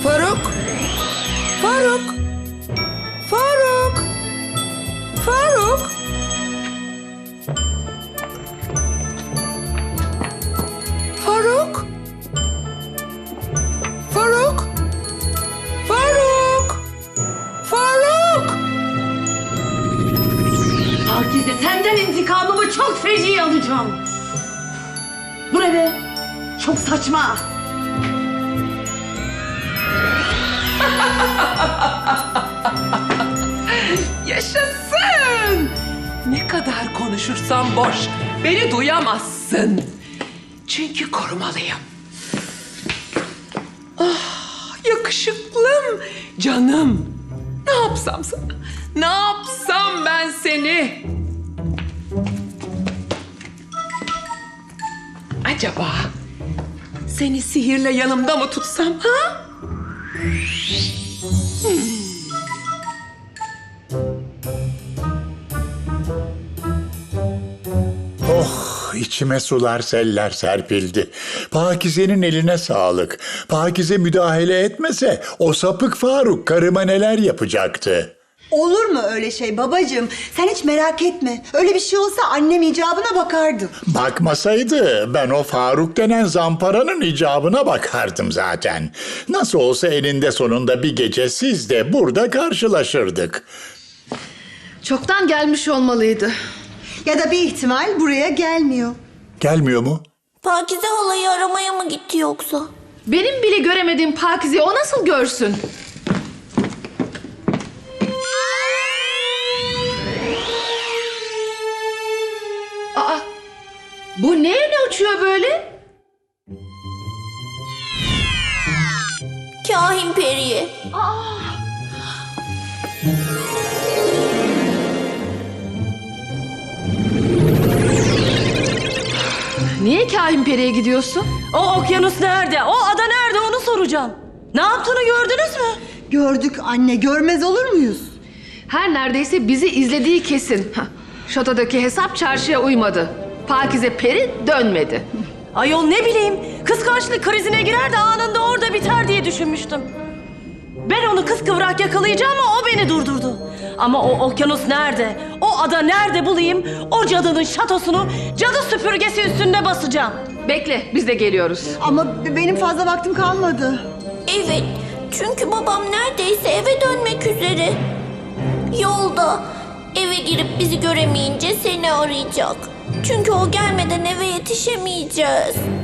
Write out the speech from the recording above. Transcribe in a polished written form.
Faruk! Faruk! Faruk! Faruk! Faruk! Faruk! Faruk! Faruk! Pakize, senden intikamımı çok feci alacağım. Bu ne be? Çok saçma. Yaşasın! Ne kadar konuşursam boş. Beni duyamazsın. Çünkü korumalıyım. Ah, yakışıklım, canım. Ne yapsam sana? Ne yapsam ben seni? Acaba seni sihirle yanımda mı tutsam ha? Oh, içime sular seller serpildi. Pakize'nin eline sağlık. Pakize müdahale etmese o sapık Faruk karıma neler yapacaktı. Olur mu öyle şey babacığım? Sen hiç merak etme. Öyle bir şey olsa annem icabına bakardı. Bakmasaydı ben o Faruk denen zamparanın icabına bakardım zaten. Nasıl olsa eninde sonunda bir gece siz de burada karşılaşırdık. Çoktan gelmiş olmalıydı. Ya da bir ihtimal buraya gelmiyor. Gelmiyor mu? Pakize halayı aramaya mı gitti yoksa? Benim bile göremediğim Pakize'yi o nasıl görsün? Aa, bu ne uçuyor böyle? Kahin periye. Niye Kahin Peri'ye gidiyorsun? O okyanus nerede? O ada nerede? Onu soracağım. Ne yaptığını gördünüz mü? Gördük anne, görmez olur muyuz? Her neredeyse bizi izlediği kesin. Hah, şatodaki hesap çarşıya uymadı. Pakize Peri dönmedi. Ayol ne bileyim. Kıskançlık krizine girer de anında orada biter diye düşünmüştüm. Ben onu kıskıvrak yakalayacağım ama o beni durdurdu. Ama o okyanus nerede? O ada nerede bulayım? O cadının şatosunu cadı süpürgesi üstünde basacağım. Bekle, biz de geliyoruz. Ama benim fazla vaktim kalmadı. Evet, çünkü babam neredeyse eve dönmek üzere. Yolda eve girip bizi göremeyince seni arayacak. Çünkü o gelmeden eve yetişemeyeceğiz.